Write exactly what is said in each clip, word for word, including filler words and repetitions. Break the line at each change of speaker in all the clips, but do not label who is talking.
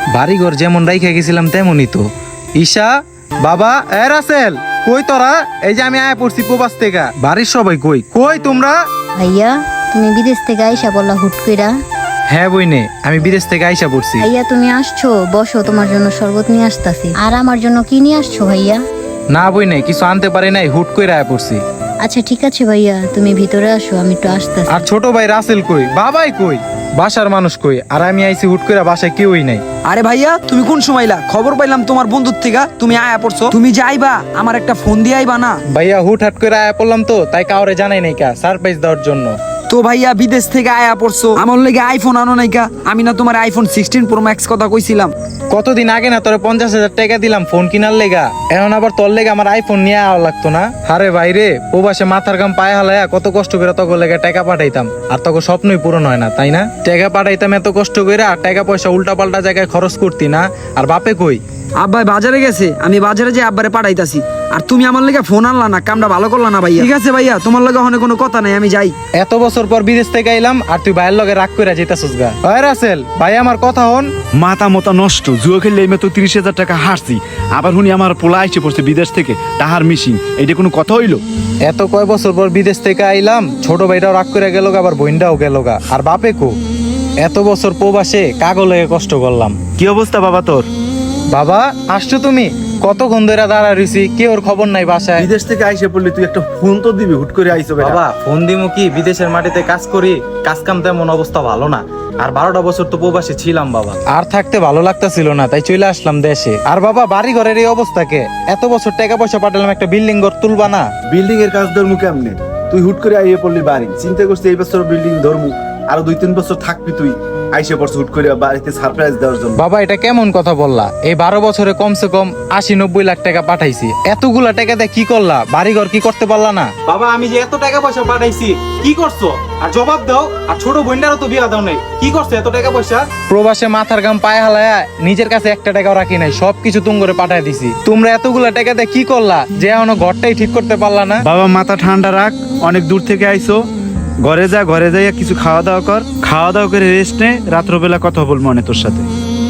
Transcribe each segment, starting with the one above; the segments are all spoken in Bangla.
বাড়িঘর যেমন রাইখা গেছিলাম তেমনই তো। ঈশা, বাবা, এ রাসেল, কই তোরা? এই যে আমি আয়া পড়ছি প্রবাস থেকে। বাড়ির সবাই কই? কই তোমরা?
ভাইয়া তুমি বিদেশ থেকে আইসা বললা হুট কইরা?
হ্যাঁ বইনে, আমি বিদেশ থেকে আইসা পড়ছি।
ভাইয়া তুমি আসছো, বসো, তোমার জন্য শরবত নিয়ে আসতাছি। আর আমার জন্য কি নিয়ে আসছো ভাইয়া?
না বইনে, কিছু আনতে পারি নাই, হুট কইরা আয়া পড়ছি।
আচ্ছা ঠিক আছে ভাইয়া, তুমি ভিতরে আসো, আমি একটু আসতাছি।
আর ছোট ভাই রাসেল কই? বাবাই কই? বাসার মানুষ কই? আর আমি আইছি হুট কইরা, বাসায় কেউই নাই।
আরে ভাইয়া তুমি কোন সময়লা? খবর পাইলাম তোমার বন্ধুর থেকে তুমি আয়া পড়ছো। তুমি যে আইবা আমার একটা ফোন দিয়ে আইবা না?
ভাইয়া হুট হাট করে আয়া পড়লাম তো, তাই কাউরে জানাই নাই কা, সারপ্রাইজ দেওয়ার জন্য।
তো ভাইয়া বিদেশ থেকে আয়া পড়ছো, আমার লেগে আইফোন আনো নাই কা? আমি না তোমার আইফোন সিক্সটিন প্রো ম্যাক্স কথা কইছিলাম।
কতদিন আগে না তোরে পঞ্চাশ হাজার টাকা দিলাম ফোন কিনার লেগা, এখন আবার তোর লেগে আমার আইফোন নিয়ে আওয়া লাগতো না? আরে ভাইরে, প্রবাসে মাথার গাম পায়ে হালায়া কত কষ্ট করে তোকে লেগে টাকা পাঠাইতাম, আর তোকে স্বপ্নই পূরণ হয় না, তাই না? টাকা পাঠাইতাম এত কষ্ট করে, আর টাকা পয়সা উল্টা পাল্টা জায়গায় খরচ করতি না। আর বাপে কই?
আব্বাই বাজারে গেছে, আমি বাজারে যে আব্বারে পাঠাইতাছি। আর তুমি আমার লেগে ফোন আনলা না, কামটা ভালো করলা না ভাইয়া। ঠিক আছে ভাইয়া, তোমার লগে ওখানে কোনো কথা নাই, আমি যাই।
এত বছর পর বিদেশ থেকে আইলাম, আর তুই ভাইয়ের লগে রাগ করে যেতেছিস গা? ওই রাসেল ভাই, আমার কথা হন।
মাথা মতা নষ্ট, জুয়া খেললে এই তো তিরিশ হাজার টাকা হারছি, আবার শুনি আমার পোলা আইসে পড়ছে বিদেশ থেকে টাহার মিশিং। এইটা কোনো কথা হইলো?
এত কয় বছর পর বিদেশ থেকে আইলাম, ছোট ভাইটাও রাগ করে গেল গা, আবার বোনটাও গেল গা, আর বাপে কো? এত বছর প্রবাসে কাগো লেগে কষ্ট করলাম।
কি অবস্থা বাবা তোর?
বাবা আসছো তুমি? কতক্ষণ ধরে দাঁড়া রইছি, কেউ ওর খবর নাই বাসায়।
বিদেশ থেকে আইসে পড়লি, তুই একটা ফোন তো দিবি, হুট করে আইসো বেটা।
বাবা ফোন দিমু কি? বিদেশের মাটিতে কাজ করি, কাজ কাম তেমন অবস্থা ভালো না, আর বারোটা বছর তো প্রবাসে ছিলাম বাবা, আর থাকতে ভালো লাগতেছিল না, তাই চলে আসলাম দেশে। আর বাবা বাড়ি ঘরের এই অবস্থাকে, এত বছর টাকা পয়সা পাঠালাম, একটা বিল্ডিং ঘর তুলবা না?
বিল্ডিং এর কাজ ধরমু কেমনে? তুই হুট করে আইয়ে পড়লি বাড়ি, চিন্তা করছিস এই বছর বিল্ডিং ধরমু, আরো দুই তিন বছর থাকবি তুই, আইসে পড়ছ হুট করে বাড়িতে সারপ্রাইজ দেওয়ার জন্য।
বাবা এটা কেমন কথা বললা? এই বারো বছরে কমসে কম আশি নব্বই লাখ টাকা পাঠাইছি, এতগুলা টাকা দিয়ে কি করলা? বাড়ি ঘর কি করতে পারলা না? বাবা আমি যে এত টাকা পয়সা পাঠাইছি, কি করছো? আর জবাব দাও। আর ছোট বোনটারও তো বিয়া দাও নাই, কি করছো এত টাকা পয়সা? প্রবাসে মাথার গাম পায়ে হালায়া নিজের কাছে একটা টাকাও রাখি নাই, সবকিছু তুম করে পাঠাই দিছি। তোমরা এতগুলা টাকা দিয়ে কি করলা যে এখনো ঘরটাই ঠিক করতে পারলা না?
বাবা মাথা ঠান্ডা রাখ, অনেক দূর থেকে আইসো, ঘরে যা, ঘরে যাইয়া কিছু খাওয়া দাওয়া কর, খাওয়া দাওয়া করে রেস্ট নে, রাত্রবেলা কথা বল মনে তোর সাথে।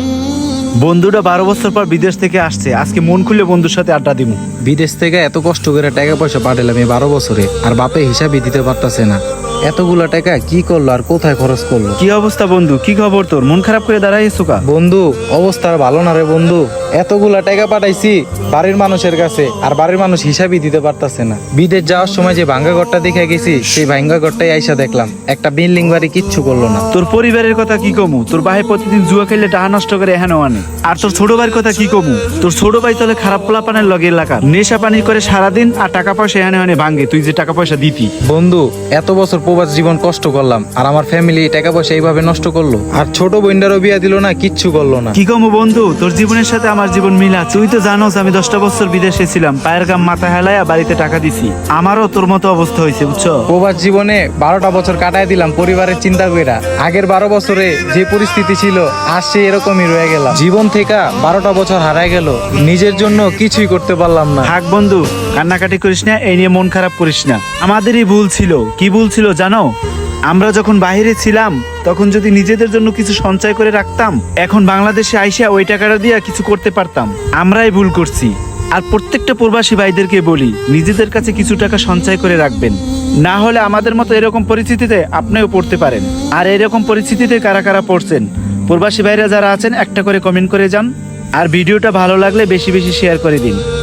বন্ধুটা বারো বছর পর বিদেশ থেকে আসছে, আজকে মন খুলে বন্ধুর সাথে আড্ডা দিমু।
বিদেশ থেকে এত কষ্ট করে টাকা পয়সা পাঠালাম এই বারো বছরে, আর বাপে হিসাবই দিতে পারতাছে না। এতগুলা টাকা কি করলো আর কোথায় খরচ করলো?
কি অবস্থা বন্ধু? কি খবর তোর? মন খারাপ করে দাঁড়াইছো কা?
বন্ধু অবস্থা আর ভালো না রে বন্ধু, এতগুলা টাকা পাঠাইছি বাড়ির মানুষের কাছে, আর বাড়ির মানুষ হিসাবই দিতে পারতাছে না। বিদেশ যাওয়ার সময় যে ভাঙ্গা ঘরটা দেখে গেছি, সেই ভাঙ্গা ঘরটাই আইসা দেখলাম, একটা বিল্ডিং বাড়ি কিচ্ছু করলো না।
তোর পরিবারের কথা কি কমু? তোর ভাই প্রতিদিন জুয়া খেললে টাকা নষ্ট করে এখানে আনে। আর তোর ছোট ভাইয়ের কথা কি কমু? তোর ছোট ভাই তাহলে খারাপ পোলাপানের লগে এলাকার নেশা পানি করে সারাদিন, আর টাকা পয়সা এখানে আনে ভাঙ্গে, তুই যে টাকা পয়সা দিতি।
বন্ধু এত বছর প্রবাস জীবন কষ্ট করলাম, আর আমার ফ্যামিলি টাকা পয়সা এইভাবে নষ্ট করলো, আর ছোট বোনটারও বিয়া দিল না, কিচ্ছু করলো না।
কি কমু বন্ধু, তোর জীবনের সাথে আমার জীবন মিলা। তুই তো জানোস আমি দশটা বছর বিদেশে ছিলাম, পায়ের গাম মাথা হেলায়া বাড়িতে টাকা দিছি। আমারও তোর মতো অবস্থা হয়েছে বুঝছো।
প্রবাস জীবনে বারোটা বছর কাটায় দিলাম পরিবারের চিন্তা কইরা। আগের বারো বছরে যে পরিস্থিতি ছিল, আর সে এরকমই রয়ে গেলাম। জীবন থেকে বারোটা বছর হারায় গেল, নিজের জন্য কিছুই করতে পারলাম না।
থাক বন্ধু, কান্নাকাটি করিস না, এই নিয়ে মন খারাপ করিস না। আমাদেরই ভুল ছিল। কি ভুল ছিল জানো? আমরা যখন বাইরে ছিলাম তখন যদি নিজেদের জন্য কিছু সঞ্চয় করে রাখতাম, এখন বাংলাদেশে আইসা ওই টাকাটা দিয়ে কিছু করতে পারতাম। আমরাই ভুল করছি। আর প্রত্যেকটা প্রবাসী ভাইদেরকে বলি, নিজেদের কাছে কিছু টাকা সঞ্চয় করে রাখবেন, না হলে আমাদের মতো এরকম পরিস্থিতিতে আপনিও পড়তে পারেন। আর এরকম পরিস্থিতিতে কারা কারা পড়ছেন, প্রবাসী ভাইরা যারা আছেন একটা করে কমেন্ট করে যান, আর ভিডিওটা ভালো লাগলে বেশি বেশি শেয়ার করে দিন।